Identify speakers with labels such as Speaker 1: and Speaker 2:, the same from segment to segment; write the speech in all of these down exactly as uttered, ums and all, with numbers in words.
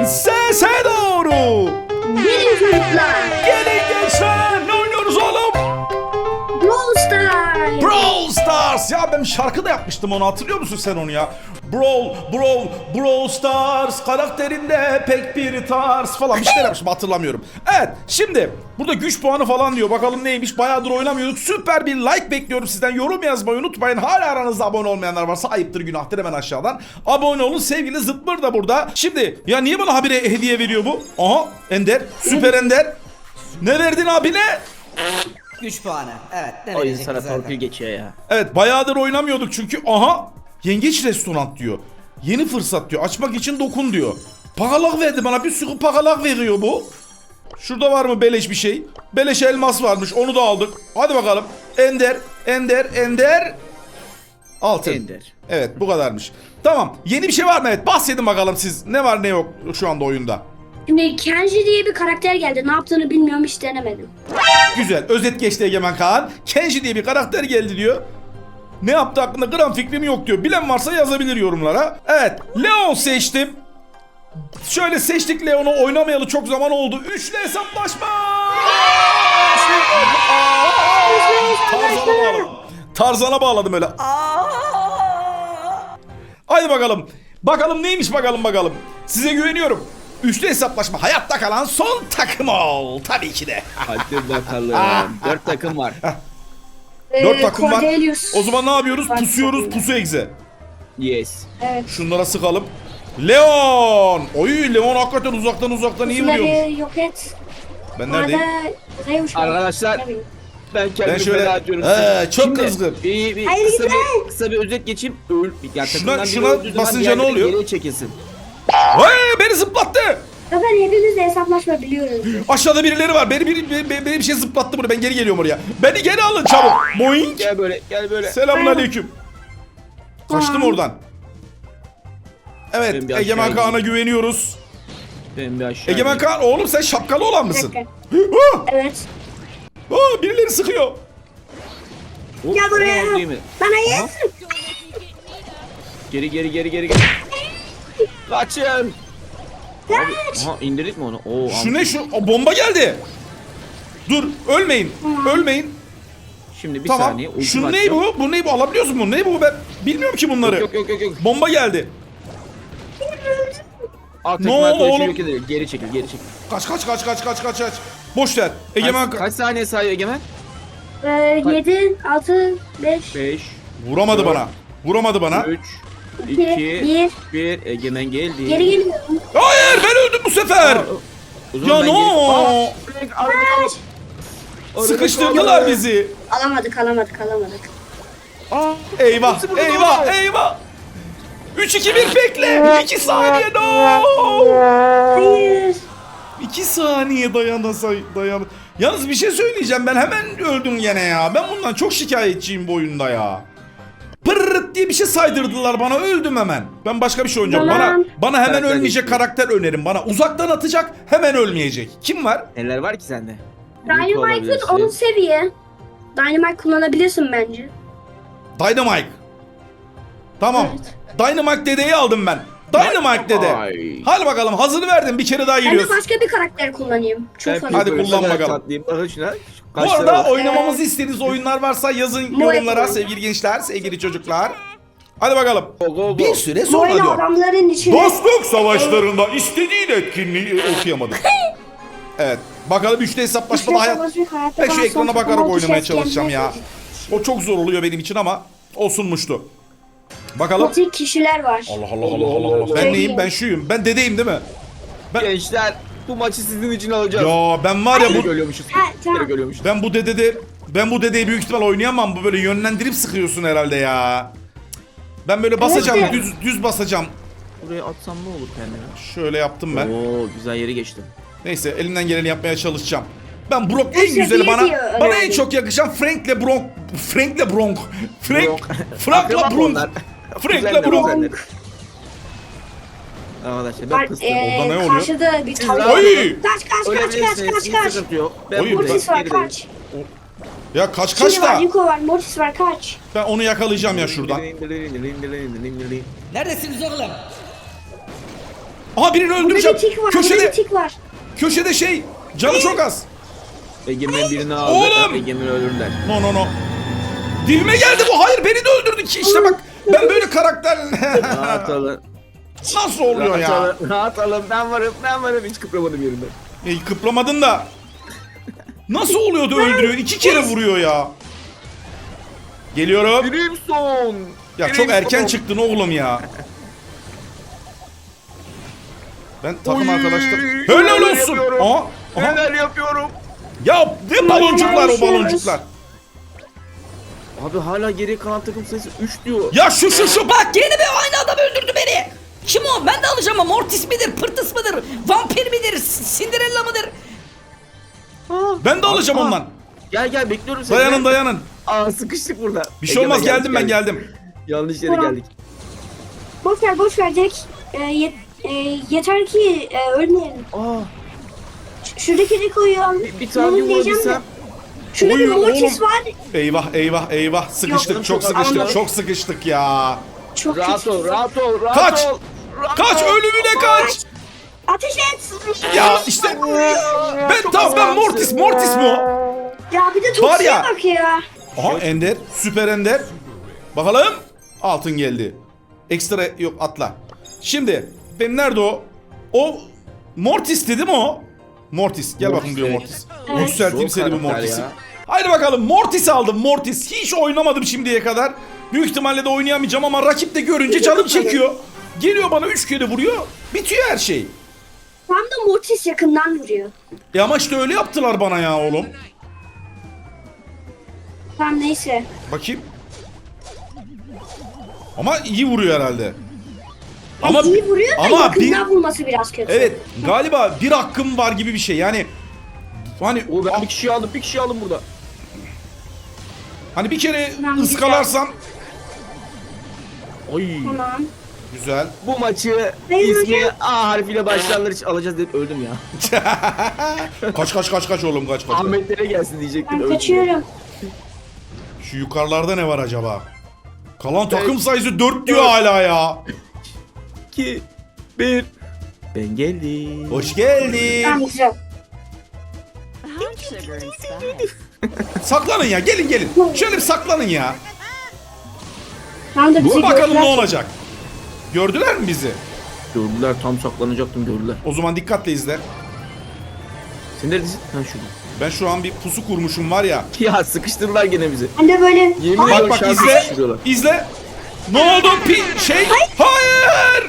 Speaker 1: Sese doğru.
Speaker 2: Gelin çocuklar.
Speaker 1: Gelin gençler. Ne oynuyoruz oğlum?
Speaker 2: Brawl Stars.
Speaker 1: Brawl Stars. Ya ben şarkı da yapmıştım, onu hatırlıyor musun sen onu ya? Brawl, Brawl, Brawl Stars karakterinde pek bir tarz falan bir şeyler yapmışım, hatırlamıyorum. Evet, şimdi burada güç puanı falan diyor. Bakalım neymiş, bayağıdır oynamıyorduk. Süper bir like bekliyorum sizden. Yorum yazmayı unutmayın. Hala aranızda abone olmayanlar varsa ayıptır günahtır, hemen aşağıdan abone olun. Sevgili Zıtmır da burada. Şimdi ya niye bana habire hediye veriyor bu? Aha, Ender, Süper Ender. Ne verdin abine?
Speaker 3: Güç puanı. Evet. Ne
Speaker 4: Oyun
Speaker 3: verecek
Speaker 4: sana
Speaker 3: zaten?
Speaker 4: torpil geçiyor ya.
Speaker 1: Evet, bayağıdır oynamıyorduk çünkü. Aha, yengeç restoran diyor. Yeni fırsat diyor. Açmak için dokun diyor. Pakalak verdi bana, bir sürü pakalak veriyor bu. Şurada var mı beleş bir şey? Beleş elmas varmış, onu da aldık. Hadi bakalım. Ender, Ender, Ender. Altın.
Speaker 4: Ender.
Speaker 1: Evet, bu kadarmış. Tamam, yeni bir şey var mı? Evet, bahsedin bakalım siz. Ne var ne yok şu anda oyunda.
Speaker 2: Şimdi Kenji diye bir karakter geldi. Ne yaptığını bilmiyorum, hiç denemedim.
Speaker 1: Güzel. Özet geçti Egemen Kaan. Kenji diye bir karakter geldi diyor. Ne yaptı hakkında gram fikrim yok diyor. Bilen varsa yazabilir yorumlara. Evet. Leon seçtim. Şöyle seçtik Leon'u. Oynamayalı çok zaman oldu. Üçlü hesaplaşma. Tarzan'a bağladım. Tarzan'a bağladım öyle. Haydi bakalım. Bakalım neymiş, bakalım bakalım. Size güveniyorum. Üçlü hesaplaşma. Hayatta kalan son takım ol. Tabii ki de.
Speaker 4: Hadi bakalım. Dört takım var.
Speaker 1: Dört
Speaker 2: Ee,
Speaker 1: takım var.
Speaker 2: Cordelius.
Speaker 1: O zaman ne yapıyoruz?
Speaker 2: Var
Speaker 1: Pusuyoruz,
Speaker 2: takımda.
Speaker 1: pusu egze.
Speaker 4: Yes.
Speaker 2: Evet.
Speaker 1: Şunlara sıkalım. Leon! Oy, Leon hakikaten uzaktan uzaktan iyi vuruyor.
Speaker 2: Bunları yok et.
Speaker 1: Ben neredeyim?
Speaker 2: Arada Zeus var.
Speaker 4: Arkadaşlar,
Speaker 2: Tabii.
Speaker 4: Ben kendimi
Speaker 1: Ben şöyle-
Speaker 4: feda ediyorum.
Speaker 1: Ee, çok
Speaker 4: Şimdi,
Speaker 1: kızgın.
Speaker 4: Bir, bir
Speaker 2: Hayır,
Speaker 4: kısa,
Speaker 2: gitme.
Speaker 4: bir, kısa bir özet geçeyim. Öl, ya,
Speaker 1: Şuna-
Speaker 4: takımdan biri
Speaker 1: şuna
Speaker 4: öldüğü zaman
Speaker 1: basınca ne
Speaker 4: diğerleri
Speaker 1: oluyor?
Speaker 4: Geriye çekilsin.
Speaker 1: Vay, beni zıplattı.
Speaker 2: Zaten hepimiz de hesaplaşma biliyoruz.
Speaker 1: Aşağıda birileri var. Beni biri, beni, beni, beni bir şey zıplattı buraya. Ben geri geliyorum oraya. Beni geri alın çabuk. Boing.
Speaker 4: Gel böyle, gel böyle.
Speaker 1: Selamun aleyküm. Kaçtım
Speaker 2: Tamam.
Speaker 1: oradan. Evet,
Speaker 4: Ben bir aşağı
Speaker 1: Egemen
Speaker 4: ineyim.
Speaker 1: Kaan'a güveniyoruz.
Speaker 4: Ben bir aşağı
Speaker 1: Egemen
Speaker 4: ineyim.
Speaker 1: Kaan, oğlum sen şapkalı olan
Speaker 2: Bir
Speaker 1: mısın?
Speaker 2: dakika.
Speaker 1: Ah!
Speaker 2: Evet.
Speaker 1: Ah, birileri sıkıyor.
Speaker 4: Hop,
Speaker 2: Gel buraya.
Speaker 4: tamam, değil mi?
Speaker 2: Bana yes.
Speaker 4: Geri geri geri geri geri. Kaçın. Abi, aha indirdik mi onu? Oo,
Speaker 1: Şu ne şu? O bomba geldi. Dur, ölmeyin. Ölmeyin.
Speaker 4: Şimdi bir
Speaker 1: Tamam.
Speaker 4: saniye. ultim
Speaker 1: Şu ne
Speaker 4: atacağım.
Speaker 1: bu? Bu ne bu? Alabiliyorsun bunu. Ne bu? Ben bilmiyorum ki bunları.
Speaker 4: Yok yok yok yok.
Speaker 1: Bomba geldi.
Speaker 4: Alt
Speaker 1: Ne
Speaker 4: tekme
Speaker 1: oldu
Speaker 4: arkadaşı
Speaker 1: oğlum?
Speaker 4: yok edelim. Geri çekil geri çekil.
Speaker 1: Kaç kaç kaç kaç kaç kaç kaç. Boş ver. Egemen
Speaker 4: Kaç, kaç saniye sayıyor Egemen?
Speaker 2: Ee, yedi, altı, beş,
Speaker 4: beş,
Speaker 1: vuramadı
Speaker 4: dört,
Speaker 1: bana. Vuramadı bana.
Speaker 4: üç,
Speaker 2: iki,
Speaker 4: iki,
Speaker 2: bir.
Speaker 4: bir. Egemen geldi.
Speaker 2: Geri geliyorum.
Speaker 1: Hayır, ben öldüm bu sefer.
Speaker 4: Aa, o zaman
Speaker 1: Ya
Speaker 4: ben
Speaker 1: no.
Speaker 4: geri- Aa, arada kaldım. Arada
Speaker 1: Sıkıştırdılar
Speaker 4: kaldım.
Speaker 1: bizi.
Speaker 2: Alamadık, alamadık, alamadık.
Speaker 4: Aa,
Speaker 1: Eyvah,
Speaker 4: hepsi burada
Speaker 1: eyvah,
Speaker 4: oldu.
Speaker 1: eyvah. üç iki bir bekle. iki saniye no.
Speaker 2: Hayır.
Speaker 1: iki saniye dayanasay dayan. Yalnız bir şey söyleyeceğim, ben hemen öldüm gene ya. Ben bundan çok şikayetçiyim bu oyunda ya. Pırrrt diye bir şey saydırdılar bana, öldüm hemen. Ben başka bir şey oynayacağım. Bana
Speaker 2: Tamam.
Speaker 1: bana hemen
Speaker 4: Karakter
Speaker 1: ölmeyecek
Speaker 4: değişiyor.
Speaker 1: karakter önerin bana. Uzaktan atacak, hemen ölmeyecek. Kim var?
Speaker 4: Neler var ki sende? Rico
Speaker 2: Dynamite'ın
Speaker 4: olabilirsin.
Speaker 2: on seviye. Dynamite kullanabilirsin bence.
Speaker 1: Dynamite. Tamam.
Speaker 2: Evet.
Speaker 1: Dynamite dedeyi aldım ben. Dynamite dede.
Speaker 4: Ay.
Speaker 1: Hadi bakalım, hazır verdim, bir kere daha
Speaker 2: Ben de
Speaker 1: giriyoruz.
Speaker 2: başka bir karakter kullanayım. Çok
Speaker 4: Ben
Speaker 2: fazla.
Speaker 1: Hadi
Speaker 4: Pico'yu
Speaker 1: kullan
Speaker 4: severek
Speaker 1: bakalım.
Speaker 4: atlayayım. Bakın şuna.
Speaker 1: Bu
Speaker 4: Kaç
Speaker 1: arada
Speaker 4: lira var?
Speaker 1: oynamamızı istediğiniz oyunlar varsa yazın
Speaker 2: Bu
Speaker 1: yorumlara
Speaker 2: yapalım.
Speaker 1: sevgili gençler, sevgili çocuklar. Hadi bakalım.
Speaker 4: Go, go, go.
Speaker 1: Bir süre
Speaker 2: Bu
Speaker 1: sonra
Speaker 2: oyunu
Speaker 1: diyor.
Speaker 2: adamların içine...
Speaker 1: Dostluk savaşlarında istediğin etkinliği okuyamadım. Evet. Bakalım üçlü hesaplaşmada hayat. Ben şu ekrana bakarak oynamaya çalışacağım ya. O çok zor oluyor benim için ama olsunmuştu. Bakalım.
Speaker 2: Motik kişiler var.
Speaker 1: Allah Allah Allah Allah Allah. Ben neyim? Ben şuyum. Ben dedeyim değil mi?
Speaker 4: Gençler bu maçı sizin için alacağız.
Speaker 1: Ya ben var ya
Speaker 4: Nereye
Speaker 1: bu
Speaker 4: görüyormuşuz?
Speaker 2: Ha, tamam.
Speaker 4: Nereye görüyormuşuz?
Speaker 1: ben bu dedede ben bu dedeyi büyük ihtimal oynayamam. Bu böyle yönlendirip sıkıyorsun herhalde ya. Ben böyle basacağım,
Speaker 2: Evet.
Speaker 1: düz düz basacağım.
Speaker 4: Buraya atsam ne olur kendime?
Speaker 1: Şöyle yaptım ben.
Speaker 4: Oo güzel yere geçtim.
Speaker 1: Neyse, elimden geleni yapmaya çalışacağım. Ben Brock en
Speaker 2: Neyse,
Speaker 1: güzeli
Speaker 2: bir
Speaker 1: bana
Speaker 2: diyor,
Speaker 1: bana en
Speaker 2: önemli.
Speaker 1: çok yakışan Frank'le Bronk Frank'le Bronk Frank
Speaker 4: Bronk.
Speaker 1: Frank'la
Speaker 4: Akraba
Speaker 1: Bronk
Speaker 4: onlar.
Speaker 1: Frank'le
Speaker 4: Kuzenler,
Speaker 1: Bronk.
Speaker 4: kuzenler. Arkadaşlar ben
Speaker 2: Var,
Speaker 4: pıstım.
Speaker 2: ee,
Speaker 1: Orada ne oluyor?
Speaker 2: Karşıda bir tavuk.
Speaker 1: Oy!
Speaker 2: Kaç kaç kaç kaç kaç kaç.
Speaker 4: Sıkıntı yok. Ben
Speaker 1: Oy,
Speaker 4: buradayım.
Speaker 2: Mortis var
Speaker 4: Gelirim.
Speaker 2: kaç.
Speaker 1: Ya kaç kaç
Speaker 2: Şimdi var
Speaker 1: da
Speaker 2: Rico var Mortis var kaç.
Speaker 1: ben onu yakalayacağım ya şuradan.
Speaker 3: Neredesiniz oğlum?
Speaker 1: Aha birini
Speaker 2: Burada
Speaker 1: öldüreceğim.
Speaker 2: bir tik var. Burada
Speaker 1: Köşede
Speaker 2: bir tik var.
Speaker 1: köşede şey. Canı çok az.
Speaker 4: Egemen birini aldı.
Speaker 1: Oğlum!
Speaker 4: Egemen ölürler.
Speaker 1: No no no. Dibime geldi bu. Hayır beni de öldürdü ki. İşte bak ben böyle karakter
Speaker 4: Rahat olun.
Speaker 1: nasıl oluyor
Speaker 4: Rahat
Speaker 1: ya?
Speaker 4: olun. Rahat olun. Ben varım. Ben varım. Hiç kıpramadım yerimden.
Speaker 1: E, kıplamadın da. Nasıl oluyordu öldürüyor? İki kere vuruyor ya. Geliyorum.
Speaker 4: Crimson.
Speaker 1: Ya çok erken çıktın oğlum ya. Ben takım
Speaker 4: Oy,
Speaker 1: arkadaşlarım. Helal
Speaker 4: neler
Speaker 1: olsun.
Speaker 4: yapıyorum.
Speaker 1: Aha, aha.
Speaker 4: Neler yapıyorum.
Speaker 1: Ya ne baloncuklar o baloncuklar.
Speaker 4: Abi hala geriye kalan takım sayısı üç diyor.
Speaker 1: Ya şu şu şu bak.
Speaker 3: Bak yeni bir aynı adam öldürdü beni. Kim o? Ben de alacağım ama Mortis midir, Pırtıs mıdır, Vampir midir, Cinderella mıdır?
Speaker 1: Ben de alacağım
Speaker 4: Aa,
Speaker 1: ondan.
Speaker 4: Gel gel bekliyorum seni.
Speaker 1: Dayanın dayanın.
Speaker 4: Aa sıkıştık burada.
Speaker 1: Bir şey olmaz
Speaker 4: Egemen,
Speaker 1: geldim ben geldim.
Speaker 4: Yanlış yere geldik.
Speaker 2: Boş ver boş ver Jack. Ee, yet- e, yeter ki e, ölmeyelim.
Speaker 4: Aa
Speaker 2: Ş- Şuradaki Rico'yu al.
Speaker 4: bir, bir tane
Speaker 2: Onu diyeceğim de.
Speaker 4: vurabilsem.
Speaker 2: Şurada bir
Speaker 1: Oy,
Speaker 2: Mortis
Speaker 1: oğlum.
Speaker 2: var.
Speaker 1: Eyvah eyvah eyvah. Sıkıştık
Speaker 4: Yok,
Speaker 1: çok
Speaker 4: çok
Speaker 1: sıkıştık
Speaker 2: anladım.
Speaker 1: çok sıkıştık ya.
Speaker 2: Çok
Speaker 4: Rahat
Speaker 2: kötü.
Speaker 4: ol rahat ol rahat
Speaker 1: Kaç!
Speaker 4: ol. Rahat
Speaker 1: Kaç
Speaker 4: ol.
Speaker 1: ölümüne kaç.
Speaker 2: Ateş et.
Speaker 1: Ya işte
Speaker 4: Ya,
Speaker 1: ben
Speaker 4: çok
Speaker 1: tamam ben
Speaker 4: azalsın.
Speaker 1: Mortis Mortis mi o?
Speaker 2: Ya bir de
Speaker 1: Var
Speaker 2: Toksi'ye
Speaker 1: ya.
Speaker 2: bak ya.
Speaker 1: Aha Ender süper Ender. Bakalım altın geldi. Ekstra yok atla. Şimdi benim nerede o? O Mortis dedi mi o? Mortis gel bakayım diyor Mortis.
Speaker 2: Evet.
Speaker 1: Yükselteyim
Speaker 4: Zor
Speaker 1: seni bu
Speaker 4: karakter
Speaker 1: Mortis'i.
Speaker 4: ya.
Speaker 1: Haydi bakalım Mortis aldım Mortis. Hiç oynamadım şimdiye kadar. Büyük ihtimalle de oynayamayacağım ama rakip de görünce canım çekiyor. Geliyor bana üç kere vuruyor. Bitiyor her şey.
Speaker 2: Tam da Mortis yakından vuruyor.
Speaker 1: E ama işte öyle yaptılar bana ya oğlum.
Speaker 2: Tamam neyse.
Speaker 1: Bakayım. Ama iyi vuruyor herhalde.
Speaker 2: Ama iyi vuruyor da
Speaker 1: ama
Speaker 2: yakından
Speaker 1: bir-
Speaker 2: vurması biraz kötü.
Speaker 1: Evet galiba bir hakkım var gibi bir şey yani. Hani
Speaker 4: Oo ben bir kişiyi aldım bir kişiyi aldım burada.
Speaker 1: hani bir kere
Speaker 2: Tamam,
Speaker 1: ıskalarsam
Speaker 4: Ay.
Speaker 2: Tamam.
Speaker 1: güzel.
Speaker 4: Bu maçı
Speaker 2: Hayır,
Speaker 4: ismi
Speaker 2: hocam.
Speaker 4: A harfiyle başlayanlar için alacağız dedim öldüm ya.
Speaker 1: Kaç kaç kaç kaç oğlum kaç kaç.
Speaker 4: Ahmetlere gelsin diyecektim
Speaker 2: Ben
Speaker 4: öldüm.
Speaker 2: kaçıyorum.
Speaker 1: Şu yukarılarda ne var acaba? Kalan takım sayısı dört diyor hala ya.
Speaker 4: iki bir Ben geldim.
Speaker 1: Hoş geldin.
Speaker 2: Tamam güzel.
Speaker 1: Saklanın ya gelin gelin. Şöyle bir saklanın ya.
Speaker 2: Tam da bizi
Speaker 1: Bakalım ne
Speaker 2: gördüler.
Speaker 1: olacak. Gördüler mi bizi?
Speaker 4: Gördüler tam saklanacaktım gördüler.
Speaker 1: O zaman dikkatle izle.
Speaker 4: Sen neredesin? Ha şurada.
Speaker 1: Ben şu an bir pusu kurmuşum var ya.
Speaker 4: Ya sıkıştırdılar gene bizi.
Speaker 2: Ben de böyle
Speaker 4: Yemin
Speaker 1: Bak
Speaker 4: ediyorum
Speaker 1: bak
Speaker 4: şarkı
Speaker 1: izle.
Speaker 4: sıkıştırıyorlar.
Speaker 1: İzle. Ne oldu? Pi şey. Hayır.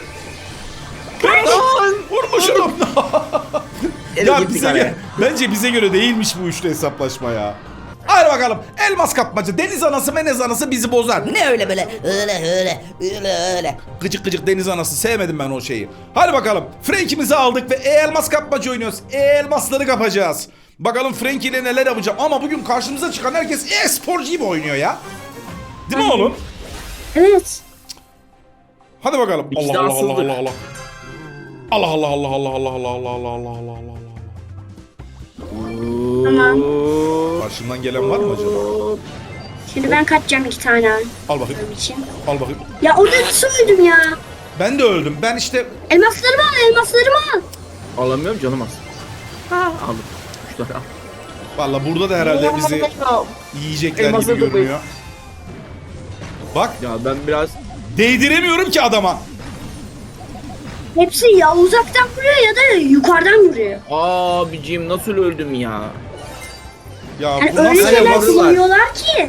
Speaker 1: Vurmuşum.
Speaker 4: Ele
Speaker 1: Ya
Speaker 4: gittik
Speaker 1: bize
Speaker 4: araya.
Speaker 1: göre, bence bize göre değilmiş bu üçlü hesaplaşma ya. Hadi bakalım. Elmas kapmaca, deniz anası, menez anası bizi bozar.
Speaker 3: Ne öyle böyle? Öyle öyle öyle öyle.
Speaker 1: Gıcık gıcık deniz anası. Sevmedim ben o şeyi. Hadi bakalım. Frank'imizi aldık ve e-elmas kapmaca oynuyoruz. E-elmasları kapacağız. Bakalım Frank ile neler yapacağım. Ama bugün karşımıza çıkan herkes e-sporcu gibi oynuyor ya. Değil mi oğlum?
Speaker 2: evet.
Speaker 1: Hadi bakalım.
Speaker 4: İkisi de
Speaker 1: Allah Allah Allah
Speaker 4: haksızlık.
Speaker 1: Allah Allah. Allah Allah Allah Allah Allah Allah Allah Allah Allah Allah Allah Allah.
Speaker 2: Tamam.
Speaker 1: Karşımdan gelen var mı acaba?
Speaker 2: Şimdi ben kaçacağım iki tane al
Speaker 1: Al bakayım.
Speaker 2: için.
Speaker 1: Al bakayım.
Speaker 2: Ya orada nasıl öldüm ya?
Speaker 1: Ben de öldüm. Ben işte
Speaker 2: Elmaslarımı al, elmaslarımı al.
Speaker 4: Alamıyorum canım az. Ha aldım. Üç tane al.
Speaker 1: valla burada da herhalde bizi yiyecekler
Speaker 4: Elmasları
Speaker 1: gibi
Speaker 4: toplayın.
Speaker 1: görünüyor. Bak
Speaker 4: Ya ben biraz
Speaker 1: değdiremiyorum ki adama.
Speaker 2: Hepsi ya uzaktan vuruyor ya da yukarıdan vuruyor.
Speaker 4: abicim nasıl öldüm ya?
Speaker 1: Ya
Speaker 2: Yani
Speaker 1: bu
Speaker 2: öyle
Speaker 1: nasıl
Speaker 2: şeyler
Speaker 1: elmas?
Speaker 2: kullanıyorlar ki.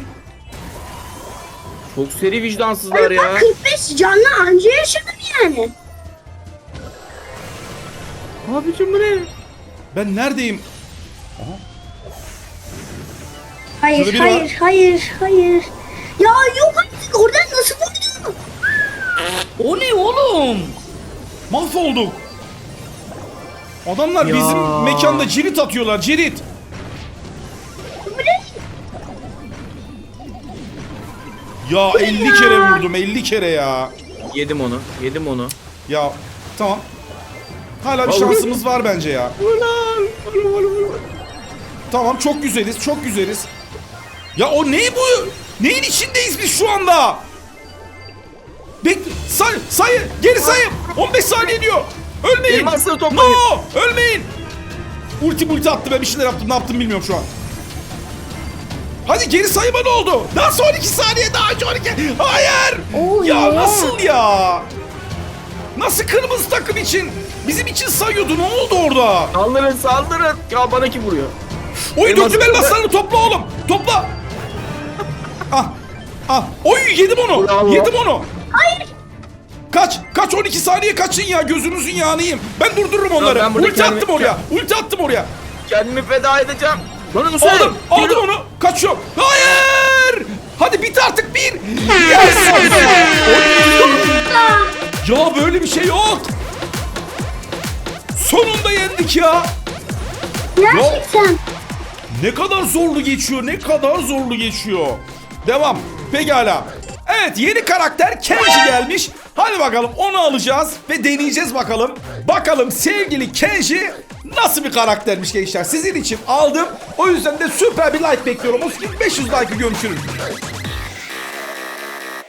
Speaker 4: Çok seri vicdansızlar
Speaker 2: Öyle
Speaker 4: ya.
Speaker 2: bak kırk beş canlı anca yaşadım yani.
Speaker 4: Abicim bu ne?
Speaker 1: Ben neredeyim?
Speaker 2: Hayır,
Speaker 1: Şurada biri
Speaker 2: hayır,
Speaker 1: var.
Speaker 2: hayır, hayır. Ya yok artık oradan nasıl vurdu?
Speaker 3: O ne oğlum?
Speaker 1: Mahvolduk. Adamlar
Speaker 4: Ya.
Speaker 1: bizim mekanda cirit atıyorlar cirit.
Speaker 2: Bu ne?
Speaker 1: Ya elli kere vurdum elli kere ya.
Speaker 4: Yedim onu. Yedim onu.
Speaker 1: Ya tamam. Hala bir
Speaker 4: Vallahi-
Speaker 1: şansımız var bence ya.
Speaker 4: Ulan!
Speaker 1: Tamam çok güzeliz çok güzeliz. Ya o ne bu? Neyin içindeyiz biz şu anda? Bek say sayı geri sayım. on beş saniye diyor. Ölmeyin.
Speaker 4: Elmasları toplayın.
Speaker 1: No! Ölmeyin. Ulti multi attı, ben bir şeyler yaptım. Ne yaptım bilmiyorum şu an. Hadi geri sayıma ne oldu? Daha son iki saniye daha on iki. Hayır.
Speaker 2: Oo,
Speaker 1: ya
Speaker 2: yeah.
Speaker 1: nasıl ya? Nasıl kırmızı takım için? Bizim için sayıyordu. Ne oldu orada?
Speaker 4: Saldırın saldırın. Ya bana kim vuruyor?
Speaker 1: Oy
Speaker 4: Elmas-
Speaker 1: döküm elmaslarını topla oğlum. Topla. Ah. Ah. Oy yedim onu.
Speaker 4: Bravo.
Speaker 1: Yedim onu.
Speaker 2: Hayır.
Speaker 1: Kaç. Kaç on iki saniye kaçın ya. Gözünüzün yağını yiyeyim. Ben durdururum onları.
Speaker 4: ben burada
Speaker 1: Ulti
Speaker 4: kendimi-
Speaker 1: attım oraya. Ulti attım oraya.
Speaker 4: Kendimi feda edeceğim. Bana nasıl
Speaker 1: Aldım. Aldım onu. Kaçıyor. Hayır. Hadi bit artık bir. Yes. Ya böyle bir şey yok. Sonunda yendik ya.
Speaker 2: Gerçekten.
Speaker 1: Ne kadar zorlu geçiyor, ne kadar zorlu geçiyor. Devam. Pekala. Evet, yeni karakter Kenji gelmiş. Hadi bakalım onu alacağız ve deneyeceğiz bakalım. Bakalım sevgili Kenji nasıl bir karaktermiş gençler. Sizin için aldım. O yüzden de süper bir like bekliyorum. O beş yüz like'ı görüşürüz.